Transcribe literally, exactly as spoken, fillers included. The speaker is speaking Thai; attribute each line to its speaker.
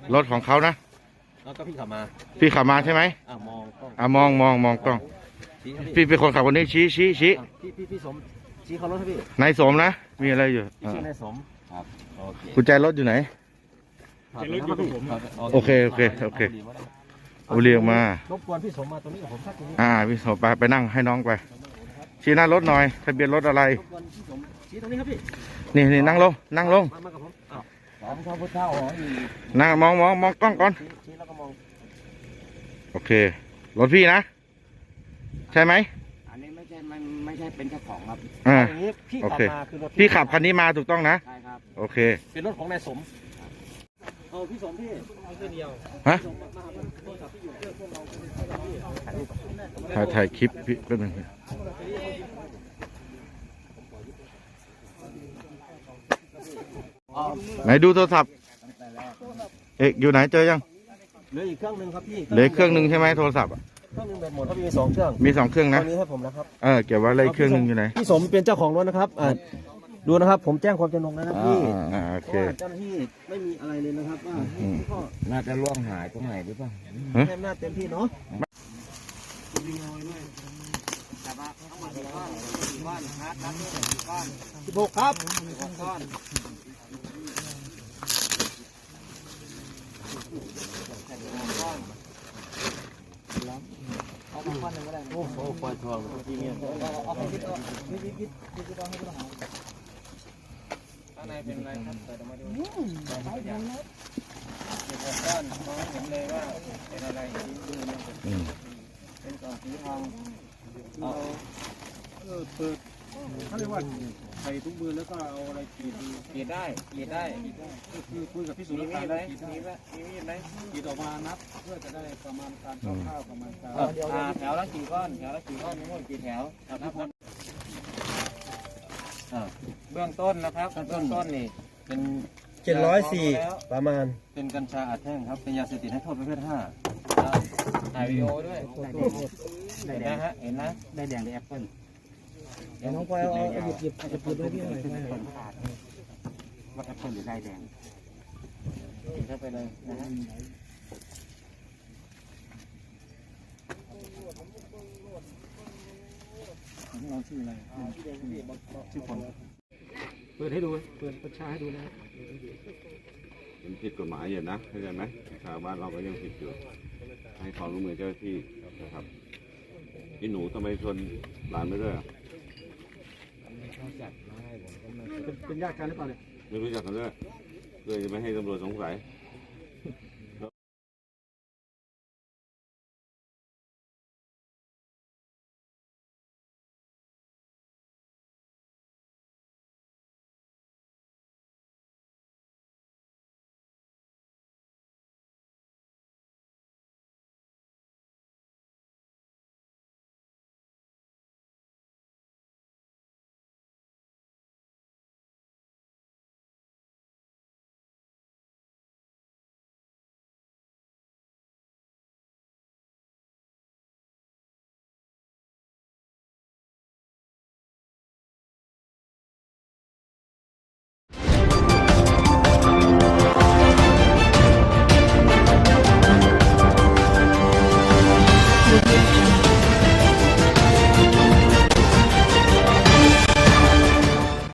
Speaker 1: รถของเขานะ
Speaker 2: แล้วก็พี่ขับมา
Speaker 1: พี่ขับมาใช่ไหม
Speaker 2: อ่ามองกล้อง
Speaker 1: อ่ามองมองมองกล้องพี่เป็นคนขับคนนี้ชี้ชี้ชี้
Speaker 2: พี่พี่พี่สมชี้เขารถให้พี่
Speaker 1: นายสมนะมีอะไรอยู่
Speaker 2: ชื่อนายสมครับ
Speaker 1: กุญแจรถอยู่ไหนโอเคโอเคโอเคโอเรียกมาร
Speaker 2: บกวนพี่สมมาตรงนี้กับผมสักที
Speaker 1: อ่าพี่สมไปไปนั่งให้น้องไปชี้หน้ารถหน่อยทะเบียนรถอะไร
Speaker 2: ชี้ตรงนี้ครับพี่
Speaker 1: นี่นี่นั่งลงนั่งลง
Speaker 2: มากับผมอ้าวสองข้าวพุทธเจ้าอ๋อ
Speaker 1: นั่งมองมองมองกล้องก่อน
Speaker 2: ชี้แล้วก็มอง
Speaker 1: โอเครถพี่นะใช่ไหม
Speaker 2: อันนี้ไม่ใช่มันไม่ใช่เป็นเจ้าของครับ
Speaker 1: อ่า
Speaker 2: พี่ขับมาคือรถ
Speaker 1: พี่ขับคันนี้มาถูกต้องนะ
Speaker 2: ใช่ครับ
Speaker 1: โอเค
Speaker 2: เป็นรถของนายสมเออพี่สมพี่เอาเส้นเดียว
Speaker 1: ฮะถ่ายถ่ายคลิปพี่แป๊บนึงไหนดูโทรศัพท์เอกอยู่ไหนเจอยัง
Speaker 2: เหลืออีกเครื่องนึงครับพี่
Speaker 1: เหลือเครื่องนึงใช่ไหมโทรศัพท์
Speaker 2: เครื่องนึงแบตหมดครับมีสองเครื่อง
Speaker 1: มีสองเครื่องนะ
Speaker 2: ตอนนี้ให้ผมนะครับ
Speaker 1: เออเก็บไว้เลยเครื่องนึงอยู่ไหน
Speaker 2: พี่สมเป็นเจ้าของรถนะครับอ่าดูนะครับผมแจ้งความจำนงนะครับพี่
Speaker 1: อ่าโอเค
Speaker 2: เจ้าหน้าที่ไม่มีอะไรเลยนะครับว่า
Speaker 3: น่าจะล่วงหายตรงไหนหรือเปล่า
Speaker 2: แค่หน้าเต็มที่เนาะสิบหกครับสิบหกก้อนเอาก้อนหนึ่งก็ได้โอ้โหปล่อยทองทีเนี้ยเอาไปคิดเอาคิดคิดคิดคิดคิดเอาให้ผู้ต้องหาข้างในเป็นอะไรครับเปิดออกมาดูใช่ไหมครับสิบหกก้อนมองเห็นเลยว่าเป็นอะไรที่ดูเนี่ยเป็นกล่องสีทองเอาเออเปิดเขาเรียกว่าใส่ทุกมือแล้วก็เอาอะไรขีดขีดได้ขีดได้ก็คือคุยกับพี่สุรศักดิ์ได้มีไหมมีมีดไหมขีดออกมานับเพื่อจะได้ประมาณการคร่าวๆประมาณการแถวละกี่ก้อนแถวละกี่ก้อนทั้งหมดกี่แถวนับหมดเบื้องต้นนะครับเบื้องต้นนี่เป็นเจ็ดร้อยสี่ประมาณเป็นกัญชาอัดแท่งครับเป็นยาเสพติดให้โทษประเภทห้าถ่ายวีดีโอด้วยเห็นนะฮะเห็นนะได้แดงได้แอปเปิ้ลน้องพลอยเอาหยิบหยิบหยิบหยิบด้วยพี่หน่อยว่าแอปเปิ้ลหรือได้แดงกินเข้าไปเลยนะฮะเราชื่ออะไรชื่อคนเปิดให้ดูเปิดประชาให้ดูนะ
Speaker 4: มันผิดกฎหมายอยู่นะเข้าใจไหมชาวบ้านเราก็ยังผิดอยู่ให้ความร่วมมือเจ้าหน้าที่นะครับพี่หนูทำไมชนหลานไม่ด้วย
Speaker 2: เป็นญาติกันหรือเปล่าเนี่ย
Speaker 4: ไม่รู้จักกันด้วยเลยจะไม่ให้ตำรวจสงสัย